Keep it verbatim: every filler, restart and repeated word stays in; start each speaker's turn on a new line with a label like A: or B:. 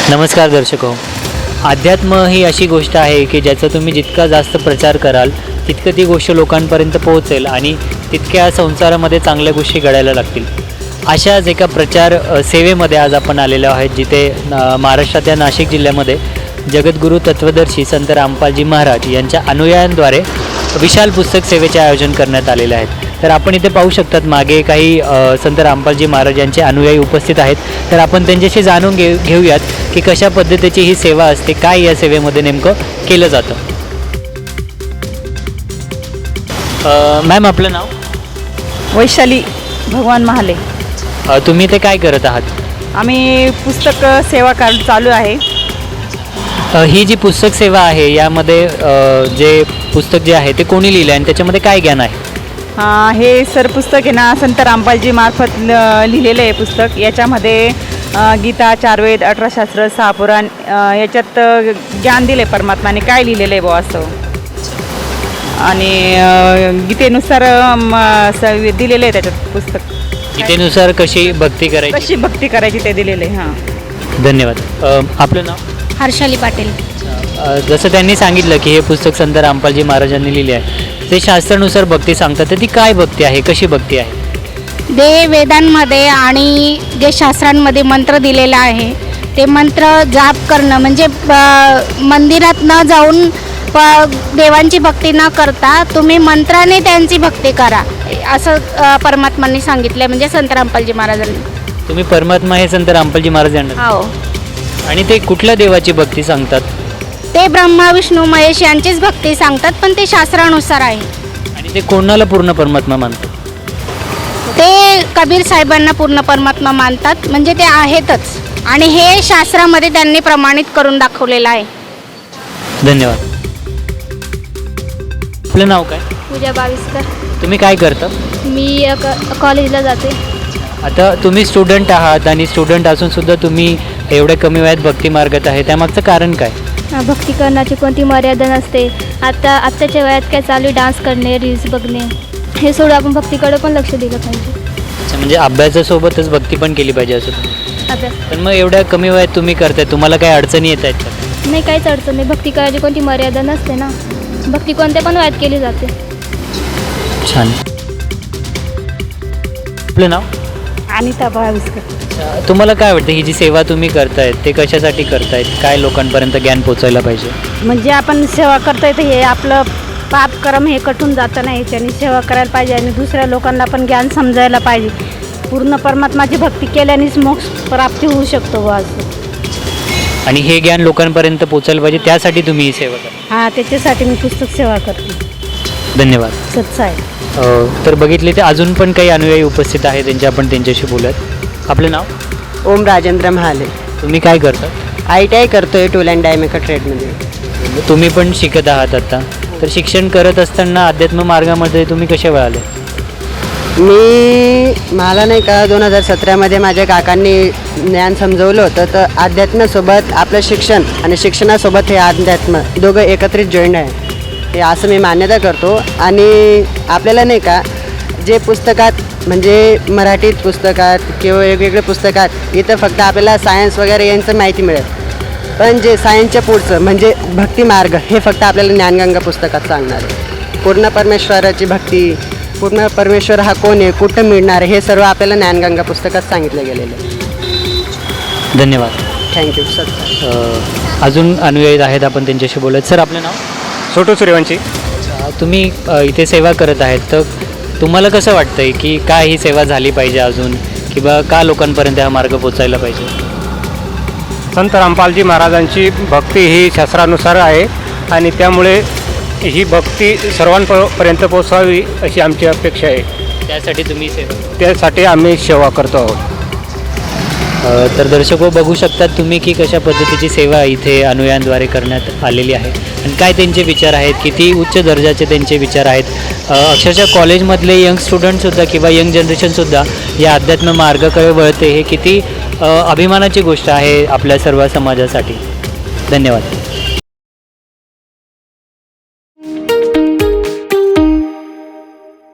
A: नमस्कार दर्शको. अध्यात्म ही अशी गोष्ट आहे की ज्याचा तुम्ही जितका जास्त प्रचार कराल तितकं ती गोष्ट लोकांपर्यंत पोहोचेल आणि तितक्या संसारामध्ये चांगल्या गोष्टी घडायला लागतील. अशाच एका प्रचार अ, सेवेमध्ये आज आपण आलेलो आहोत, जिथे अ, महाराष्ट्राच्या नाशिक जिल्ह्यामध्ये जगद्गुरू तत्वदर्शी संत रामपालजी महाराज यांच्या अनुयायांद्वारे विशाल पुस्तक सेवेचे आयोजन करण्यात आलेले आहेत. तर आपण इथे पाहू शकतात मागे काही अ, संत रामपालजी महाराज यांचे अनुयायी उपस्थित आहेत. तर आपण त्यांच्याशी जाणून घे घेऊयात की कशा पद्धतीची ही सेवा असते, काय या सेवेमध्ये नेमकं केलं जातं. अ, मॅम आपलं नाव?
B: वैशाली भगवान महाले.
A: अ, तुम्ही ते काय करत आहात?
B: आम्ही पुस्तक सेवा कार्ड चालू आहे.
A: अ, ही जी पुस्तक सेवा आहे यामध्ये अ, जे पुस्तक जे आहे ते कोणी लिहिलं आहे आणि त्याच्यामध्ये काय ज्ञान आहे?
B: अं, हे सर पुस्तक आहे ना, संत रामपालजी मार्फत ल- लिहिलेलं आहे पुस्तक. याच्यामध्ये अं, गीता, चारवेद, अठरा शास्त्र, सहा पुराण अं, याच्यात अं, ज्ञान दिलं आहे परमात्माने, काय लिहिलेलं आहे बुवा असं. आणि अं, गीतेनुसार अं, म- स- दिलेलं आहे त्याच्यात पुस्तक.
A: गीतेनुसार कशी भक्ती करायची?
B: कशी भक्ती करायची ते दिलेलं आहे. हां.
A: धन्यवाद. अ, आपलं नाव?
C: हर्षाली पाटील.
A: अ, जसं त्यांनी सांगितलं की हे पुस्तक संत रामपालजी महाराजांनी लिहिले आहे, ते शास्त्रानुसार भक्ती सांगतात. तर ती काय भक्ती आहे, कशी भक्ती आहे?
C: ते वेदांमध्ये आणि जे शास्त्रांमध्ये मंत्र दिलेला आहे ते मंत्र जाप करणं म्हणजे ब- मंदिरात न जाऊन प देवांची भक्ती न करता तुम्ही मंत्राने त्यांची भक्ती करा, असं अ, परमात्मांनी सांगितलं आहे, म्हणजे संत रामपालजी महाराजांनी.
A: तुम्ही परमात्मा हे संत रामपालजी महाराज यांना,
C: हो.
A: आणि ते कुठल्या देवाची भक्ती सांगतात?
C: ते ब्रह्मा विष्णू महेश यांचीच भक्ती सांगतात, पण ते शास्त्रानुसार आहे.
A: आणि ते कोणाला पूर्ण परमात्मा मानतात?
C: ते कबीर साहेबांना पूर्ण परमात्मा मानतात, म्हणजे ते आहेतच, आणि हे शास्त्रामध्ये त्यांनी प्रमाणित करून दाखवलेलं आहे.
A: धन्यवाद. आपलं नाव काय?
D: पूजा बाविस्कर.
A: तुम्ही काय करता?
D: मी अ, क- कॉलेजला जाते.
A: आता तुम्ही स्टुडंट आहात आणि स्टुडंट असून सुद्धा तुम्ही एवढ्या कमी वयात भक्ती मार्गात आहे, त्यामागचं कारण काय?
D: अ, भक्ती करण्याची कोणती मर्यादा नसते. आता आत्ताच्या वयात काय चालू आहे, डान्स करणे, रील्स बघणे, हे सोडून आपण भक्तीकडे पण लक्ष दिलं पाहिजे.
A: अच्छा, म्हणजे अभ्यासासोबतच भक्ती पण केली पाहिजे असं तुम्ही.
D: अभ्यास
A: पण मग एवढ्या कमी वयात तुम्ही करताय, तुम्हाला काही अडचणी येत आहेत का?
D: नाही, काहीच अडचण नाही. भक्ती करायची कोणती मर्यादा नसते ना. भक्ती कोणत्या पण वयात केली जाते.
A: छान. आपलं नाव?
B: अनिता बाविस्कर.
A: अच्छा, तुम्हाला काय वाटतं ही जी सेवा तुम्ही करतायत ते कशासाठी करतायत? काय लोकांपर्यंत ज्ञान पोचायला पाहिजे?
E: म्हणजे आपण सेवा करतोय तर हे आपलं पाप कर्म हे कटून जातं नाही, त्याने सेवा करायला पाहिजे आणि दुसऱ्या लोकांना पण ज्ञान समजायला पाहिजे. पूर्ण परमात्माची भक्ती केल्यानेच मोक्ष प्राप्ती होऊ शकतो बा असं.
A: आणि हे ज्ञान लोकांपर्यंत पोचायला पाहिजे, त्यासाठी तुम्ही ही सेवा करा.
E: हां, त्याच्यासाठी मी पुस्तक सेवा करते.
A: धन्यवाद.
E: सच्चा आहे.
A: अ, तर बघितले ते अजून पण काही अनुयायी उपस्थित आहेत, त्यांचे आपण त्यांच्याशी बोलत. आपलं नाव?
F: ओम राजेंद्र महाले.
A: तुम्ही काय करता?
F: आय टी आय करतोय टूल अँड डाय मेकर ट्रेडमध्ये.
A: तुम्ही पण शिकत आहात आता, तर शिक्षण करत असताना अध्यात्म मार्गामध्ये तुम्ही कसे वळाले?
F: मी मला नाही का दोन हजार सतरामध्ये माझ्या काकांनी ज्ञान समजवलं होतं, तर अध्यात्मासोबत आपलं शिक्षण आणि शिक्षणासोबत हे अध्यात्म दोघं एकत्रित जॉईंट आहे, हे असं मी मान्यता करतो. आणि आपल्याला नाही का जे पुस्तकात म्हणजे मराठीत पुस्तकात किंवा वेगवेगळ्या पुस्तकात इथं फक्त आपल्याला सायन्स वगैरे यांचं माहिती मिळेल, पण जे सायन्सच्या पुढचं म्हणजे भक्ती मार्ग हे फक्त आपल्याला ज्ञानगंगा पुस्तकात सांगणार आहे. पूर्ण परमेश्वराची भक्ती, पूर्ण परमेश्वर हा कोण आहे, कुठं मिळणार आहे, हे सर्व आपल्याला ज्ञानगंगा पुस्तकात सांगितलं गेलेलं आहे.
A: धन्यवाद.
F: Thank you sir.
A: अ, अजून अनुयायी आहेत, आपण त्यांच्याशी बोलत. सर आपलं नाव?
G: छोटू सूर्यवंशी.
A: तुम्ही अ, इथे सेवा करत आहेत, तर तुम्हाला कसं वाटतं आहे की काय ही सेवा झाली पाहिजे अजून, किंवा का लोकांपर्यंत हा मार्ग पोचायला पाहिजे?
G: संत रामपालजी महाराजांची भक्ती ही शास्त्रानुसार आहे आणि त्यामुळे ही भक्ती सर्वांपर्यंत पोचावी अशी आमची अपेक्षा आहे.
A: त्यासाठी तुम्ही सेवा,
G: त्यासाठी आम्ही सेवा करतो आहोत.
A: अ, तर दर्शको बघू शकतात तुम्ही की कशा पद्धतीची सेवा इथे अनुयायांद्वारे करण्यात आलेली आहे आणि काय त्यांचे विचार आहेत, किती उच्च दर्जाचे त्यांचे विचार आहेत. अ, अक्षरशः कॉलेजमधले यंग स्टुडंटसुद्धा किंवा यंग जनरेशनसुद्धा या अध्यात्म मार्गाकडे वळते, हे किती अ, अभिमानाची गोष्ट आहे आपल्या सर्व समाजासाठी. धन्यवाद.